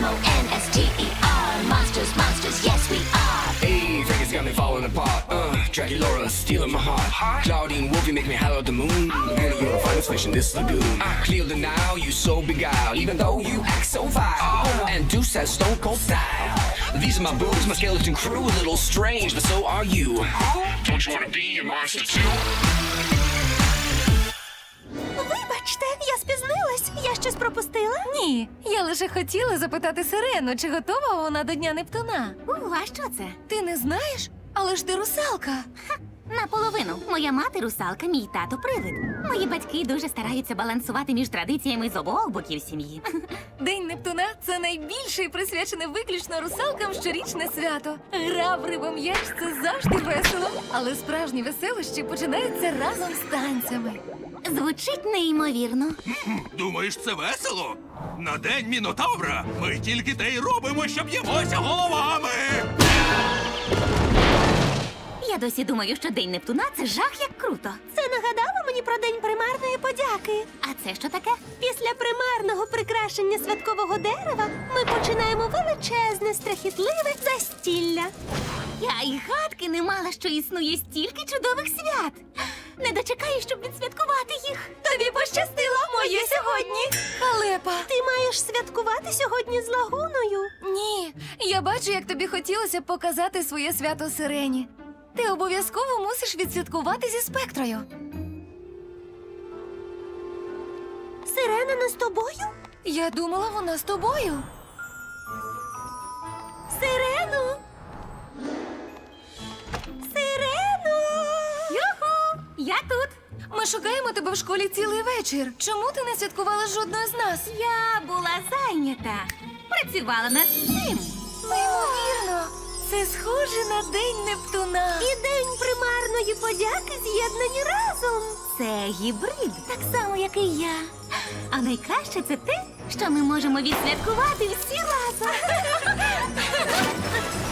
M-O-N-S-T-E-R. Monsters, monsters, yes we are. Hey, Vegas got me falling apart. Draculaura stealing my heart. Claudine Wolfie make me holler at the moon. And you're the finest fish in this lagoon. Clear the Nile, you so beguiled, even though you act so vile. And Deuce has stone cold style. These are my boobs, my skeleton crew, a little strange, but so are you. Don't you wanna be a monster too? Вибачте, я спізнилась. Я щось пропустила? Ні, я лише хотіла запитати Сирену, чи готова вона до Дня Нептуна. А що це? Ти не знаєш? Але ж ти русалка. Наполовину. Моя мати русалка, мій тато привид. Мої батьки дуже стараються балансувати між традиціями з обох боків сім'ї. День Нептуна – це найбільше і присвячене виключно русалкам щорічне свято. Гра в рибом'яч – це завжди весело. Але справжні веселощі починаються разом з танцями. Звучить неймовірно. Думаєш, це весело? На день Мінотавра ми тільки те й робимо, що б'ємося головами! Я досі думаю, що День Нептуна – це жах як круто. Це нагадало мені про День примарної подяки. А це що таке? Після примарного прикрашення святкового дерева ми починаємо величезне, страхітливе застілля. Я й гадки не мала, що існує стільки чудових свят. Не дочекаю, щоб відсвяткувати їх. Тобі пощастило, моє сьогодні. Халепа! Ти маєш святкувати сьогодні з лагуною? Ні, я бачу, як тобі хотілося показати своє свято Сирені. Ти обов'язково мусиш відсвяткувати зі Спектрою. Сирена не з тобою? Я думала, вона з тобою. Сирену! Сирену! Юху! Я тут! Ми шукаємо тебе в школі цілий вечір. Чому ти не святкувала з жодною з нас? Я була зайнята. Працювала над цим. Неймовірно! Це схоже на День Нептуна. І День примарної подяки з'єднані разом. Це гібрид, так само, як і я. А найкраще це те, що ми можемо відсвяткувати всі разом.